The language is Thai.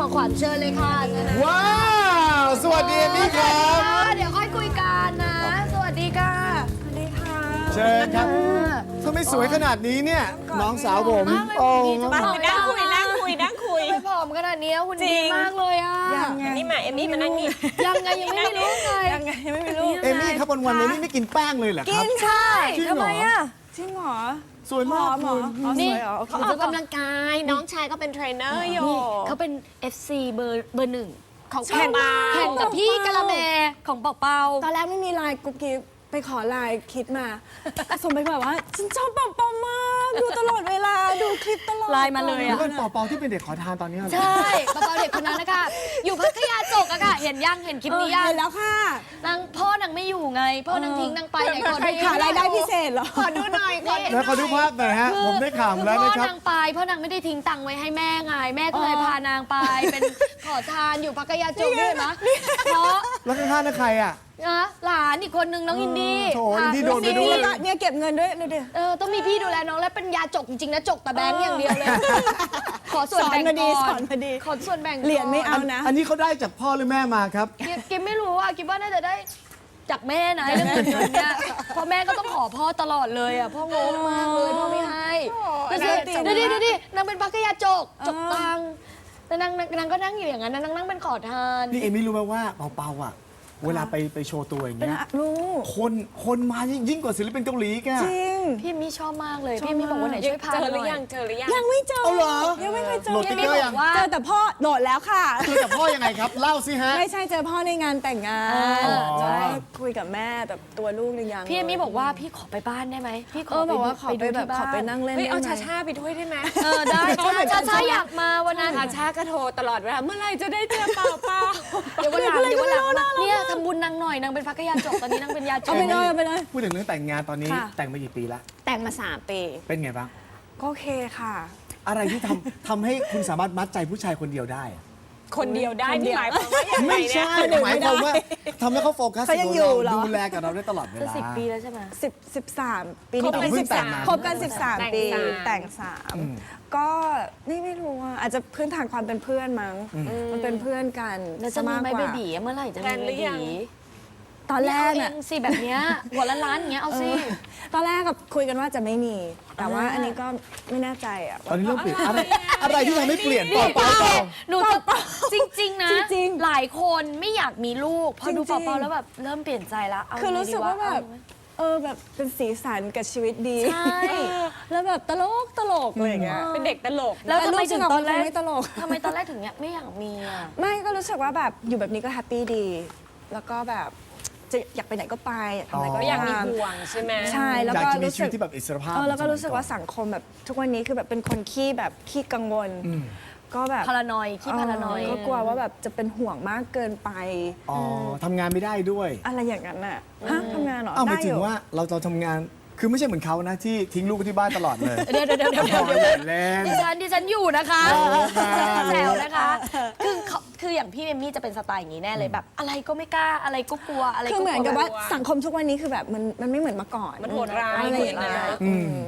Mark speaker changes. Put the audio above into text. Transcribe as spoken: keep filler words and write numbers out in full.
Speaker 1: มอขวัญเชิญเลยค่ะเชิญนะ
Speaker 2: ว้าวสวัสดีเอมี่ครับ
Speaker 1: เดี๋ยวค่อยคุยกันนะ สวัสดีค่ะสวัสดีค่ะ
Speaker 2: เชิญครับทำไมสวยขนาดนี้เนี่ยน้องสาวผมโอ้
Speaker 3: มานั่งคุยนั่งคุยนั่งคุย
Speaker 1: ไม่ผอมขนาดนี้คุณ
Speaker 3: จริ
Speaker 1: ดี
Speaker 3: ง
Speaker 1: มากเลยอ่ะ
Speaker 3: อันนี้มาเอมมี่มานั่งนี่
Speaker 1: ยังไงยังไม่รู้ไง
Speaker 3: ยังไงยังไม่รู้
Speaker 2: เอมี่ครับวันวันๆเอมี่ไม่กินแป้งเลยเหรอครับ
Speaker 1: ใช่
Speaker 2: จริงเหรอ
Speaker 1: ทำไมอ่ะ
Speaker 3: จริงเหรอ
Speaker 2: สวยมาก
Speaker 3: หมอ
Speaker 2: คุณ
Speaker 3: อ๋อ
Speaker 1: นี่
Speaker 3: สวยเหรอโอเค
Speaker 1: เขาออกกำลังกาย
Speaker 3: น้องชายก็เป็นเทรนเนอร์อยู่
Speaker 1: นี่เขาเป็น เอฟ ซี เบอร์เบอร์หนึ่งของ
Speaker 3: แข่ง
Speaker 1: แข่งกับพี่กะละแมของเป่าเปา
Speaker 4: ตอนแรกไม่มีไลน์กุ๊กกิ๊บไปขอไลน์คิดมา ส่งไปแบบว่าฉันชอบปอมปอมมากดูตลอดเวลาดูคลิปตลอด
Speaker 1: ไลน์มาเลย
Speaker 2: แล้ว
Speaker 1: อ่ะ
Speaker 2: เป็นเป่าๆที่เป็นเด็กขอทานตอนนี้เหรอ
Speaker 1: ใช่เป่าเปาเด็กคนนั้นนะคะอยู่พัทยาจกอะค่ะ เห็นยังเห็นคลิป
Speaker 4: เออ
Speaker 1: นี้ยัง
Speaker 4: เห็นแล้วค่ะ
Speaker 1: นางพ่อนางไม่อยู่ไง พ่อนางทิ้งนางไปไหนขอ
Speaker 4: ไป
Speaker 1: ดู
Speaker 4: ขารายได้พิเศษเหรอ
Speaker 3: ขอดูหน่อยขอดู
Speaker 2: แล้วขอดูภาพหน่อยฮะผมได้ข่าวมาแล้ว
Speaker 1: พ่อ
Speaker 2: นะครับ
Speaker 1: นางไปพ่อนางไม่ได้ทิ้งตังค์ไว้ให้แม่ไงแม่ก็เลยพานางไป เป็นขอทานอยู่พัทยาจกด้วยนะเพราะ
Speaker 2: แล้วข้างๆนั่นใครอ่ะ
Speaker 1: นะหลานอีกคนนึงน้องอินดี้
Speaker 2: โถอินดี้โดนไปด้วย
Speaker 4: นี่ก็เนี่ยเก็บเงินด้วยดูดิ
Speaker 1: เออต้องมีพี่ดูแลน้องแล้วเป็นยาจกจริงๆนะจกแต่แบงค์อย่างเดียวเลย ขอส่วน
Speaker 4: สอน
Speaker 1: แบ่ง
Speaker 4: มาดี
Speaker 1: ก่
Speaker 4: สอนมาดี
Speaker 1: ขอส่วนแบ่งก่อน
Speaker 4: เหรียญไม่เอานะ
Speaker 2: อันนี้เขาได้จากพ่อหรือแม่มาครับ
Speaker 1: กิฟกิฟไม่รู้อ่ะกิฟว่าน่าจะได้จากแม่นะเรื่องเงินเดือนเนี่ยเพราะแม่ก็ต้องขอพ่อตลอดเลยอ่ะพ่องงมากเลยพ่อไม่ให้ดูสิดูดิดูดินางเป็นพักยาจกจกตังค์แต่นางนางนางก็นั่งอยู่อย่างนั้นนะนางนั่งเป็นขอทาน
Speaker 2: นี่เอมี่รู้ไหมว่าเป่าๆอ่ะ เวลาไปไปโชว์ตัวอย่างเงี้ย
Speaker 4: รู้
Speaker 2: คนคนมายิ่งกว่าศิลปินเกาหลีแก
Speaker 4: จริง
Speaker 1: พี่มี่ชอบมากเลยพี่มี่บอกว่าไหนช่วยพา
Speaker 3: เจอ
Speaker 1: ห
Speaker 3: หรื
Speaker 1: น่อ
Speaker 3: อยัง
Speaker 1: ย
Speaker 3: เจอหรือยัง
Speaker 4: ยังไม่เจอ
Speaker 2: เอาเหรอ
Speaker 4: ยังไม่เคยเจอ
Speaker 2: โหลดติ๊
Speaker 1: พี่
Speaker 2: กเก
Speaker 1: มี่
Speaker 2: อร์
Speaker 1: บ
Speaker 2: ยั
Speaker 1: อง กว่า
Speaker 4: เจอแต่พ่อโดดแล้วค่ะ
Speaker 2: คือกับพ่อยังไงครับ เล่าสิฮะ
Speaker 4: ไม่ใช่เจอพ่อในงานแต่งงาน
Speaker 1: อ๋อ
Speaker 4: ใช่คุยกับแม่แต่ตัวลูกยัง
Speaker 1: พี่เอมี่บอกว่าพี่ขอไปบ้านได้ไหมพี่ข
Speaker 4: เอ
Speaker 1: อ
Speaker 4: อ
Speaker 1: ไป
Speaker 4: บอก
Speaker 1: ดู
Speaker 4: ว่าขอไป
Speaker 1: ดู
Speaker 4: แบบ
Speaker 1: ที่
Speaker 4: ขอไป
Speaker 1: บ้าน
Speaker 4: นั่งเล่น
Speaker 3: เฮ้ยเอา
Speaker 4: ได้ไหม
Speaker 3: ชาชาไปด้วยได้ไหม
Speaker 1: เออได้ชาชาอยากมาวันนั้น
Speaker 3: ชาชาก็โทรตลอดเวลาเมื่อไหร่จะได้เจอเปล่าเปล่า
Speaker 1: เดี๋ยววันหลังเดี๋ยววันหลังนะเนี่ยทำบุญนางหน่อยนางเป็นพักยาจกตอนนี้นางเป็นยาจ
Speaker 4: เอา
Speaker 1: ก
Speaker 4: ไปเลยเอาไปเลย
Speaker 2: พูดถึงเรื่องแต่งงานตอนนี้
Speaker 4: ค่ะ
Speaker 2: แต่งมากี่ปีละ
Speaker 4: แต่งมาสามปี
Speaker 2: เป็นไงบ้าง
Speaker 4: ก็โอเคค่ะ
Speaker 2: อะไรที่ทำ ทำให้คุณสามารถมัดใจผู้ชายคนเดียวได้อะ
Speaker 3: คนเดียวได้ที่หมายความว่าอย่างไร
Speaker 2: ไม่
Speaker 3: เนี่ย
Speaker 2: ใช่หมายความว่าทำให้เขาโฟกัส
Speaker 4: เขายังอยู่เหรอ
Speaker 2: ดูแลกับเราได้ตลอดเว
Speaker 1: จะ
Speaker 2: ลา
Speaker 1: สิบปีแล้วใช่ไหม
Speaker 4: สิบสิบสามปี
Speaker 3: คบ
Speaker 4: นี้
Speaker 3: กัน
Speaker 4: ปี
Speaker 3: สิ
Speaker 4: ที่
Speaker 3: บ
Speaker 4: สิบ
Speaker 3: สา
Speaker 4: สาม มคบกันสิบสาม
Speaker 3: แต่ง
Speaker 4: ปี
Speaker 3: สาม
Speaker 4: แต่งสาม
Speaker 2: อืม
Speaker 4: ก็นี่ไม่รู้อ่ะอาจจะพื้นฐานความเป็นเพื่อนมั้ง มันเป็นเพื่อนกัน
Speaker 1: แล้วจะมีไหม
Speaker 4: ากก
Speaker 1: เบ
Speaker 4: ว่า
Speaker 1: บีเมื่อไหร่จะ
Speaker 3: แพล
Speaker 1: มี
Speaker 3: นห
Speaker 1: เบ
Speaker 3: รือยั
Speaker 1: บี
Speaker 3: ง
Speaker 4: ตอนแรก
Speaker 1: เอ
Speaker 4: น่ะ
Speaker 1: งสิแบบเนี้ยหัวละล้านอย่างเงี้ยเอาสิ
Speaker 4: ตอนแรกกับคุยกันว่าจะไม่มี แต่ว่าอันนี้ก็ไม่แน่ใจอ่ะ
Speaker 2: ตอนนี้เริ่มเปลี่ยนอะไรอะไรที่ทำให้เปลี่ยนเปล่าเปล่าเปล่า
Speaker 1: หนูจะจริง ๆ นะ
Speaker 4: จริง
Speaker 1: หลายคนไม่อยากมีลูกพอดู
Speaker 4: จริงๆ
Speaker 1: เปล่าๆแล้วแบบเริ่มเปลี่ยนใจละเอา
Speaker 4: คือรู้สึกว่าแบบ
Speaker 1: เอไหม
Speaker 4: เออแบบเป็นสีสันกับชีวิตดี
Speaker 1: ใช่
Speaker 4: แล้วแบบตลกตลกอะไรอย่างเงี้ย
Speaker 3: เป็นเด็กตลก
Speaker 1: แล้วทำไมถึงตอนแรก
Speaker 4: ลูกฉันไม่ตลก
Speaker 1: ทำไมตอนแรกถึงเนี่ยไม่อยากมีอ่ะ
Speaker 4: ไม่ก็รู้สึกว่าแบบอยู่แบบนี้ก็แฮปปี้ดี แล้วก็แบบจะอยากไปไหนก็ไปอยากทำอะไรก็
Speaker 3: ก็อยากมี
Speaker 4: ทำ
Speaker 3: ห่วงใช่ไหม
Speaker 4: ใช่แล้ว
Speaker 2: อยาก
Speaker 4: ก็
Speaker 2: จะมี
Speaker 4: รู้
Speaker 2: ชี
Speaker 4: สึ
Speaker 2: วิ
Speaker 4: ก
Speaker 2: ตที่แบบอิสรภาพ
Speaker 4: เออแล้วก็รู้สึกว่าสังคมแบบทุกวันนี้คือแบบเป็นคนขี้แบบขี้กังวล
Speaker 2: อืม
Speaker 4: ก็แบบ
Speaker 1: พารานอยขี้พารานอย
Speaker 4: เก็กลัวว่าแบบจะเป็นห่วงมากเกินไป
Speaker 2: อ๋อทำงานไม่ได้ด้วย
Speaker 4: อะไรอย่างนั้นน่ะฮะทำงานเหรอ
Speaker 2: เอ้าห
Speaker 4: ได้
Speaker 2: มายถึ
Speaker 4: อง ยู่
Speaker 2: ว่าเราเราทำงานคือไม่ใช่เหมือนเขานะที่ทิ้งลูกไว้ที่บ้านตลอดเลย
Speaker 1: เดี๋ยวเดี๋ยวเดี๋ยวเดี๋ยว
Speaker 2: พอ
Speaker 1: เดี๋ยว
Speaker 2: อย่าเล่น
Speaker 1: ดิฉันดิฉันอยู่นะคะ
Speaker 2: โอ้ค่ะ
Speaker 1: แซวนะคะ คือเขาคืออย่างพี่เอมมี่จะเป็นสไตล์อย่างนี้แน่เลยแบบ อะไรก็ไม่กล้าอะไรก็กลัวอะไรก็
Speaker 4: คือก เหมือน
Speaker 1: ลัว
Speaker 4: กับว่า
Speaker 3: แบบ
Speaker 4: สังคมทุกวันนี้คือแบบมันมันไม่เหมือนเมื่อก่อน
Speaker 3: มันโหดร้าย
Speaker 4: อะไรอย่างเงี้ย
Speaker 3: โหดร้าย
Speaker 4: อืม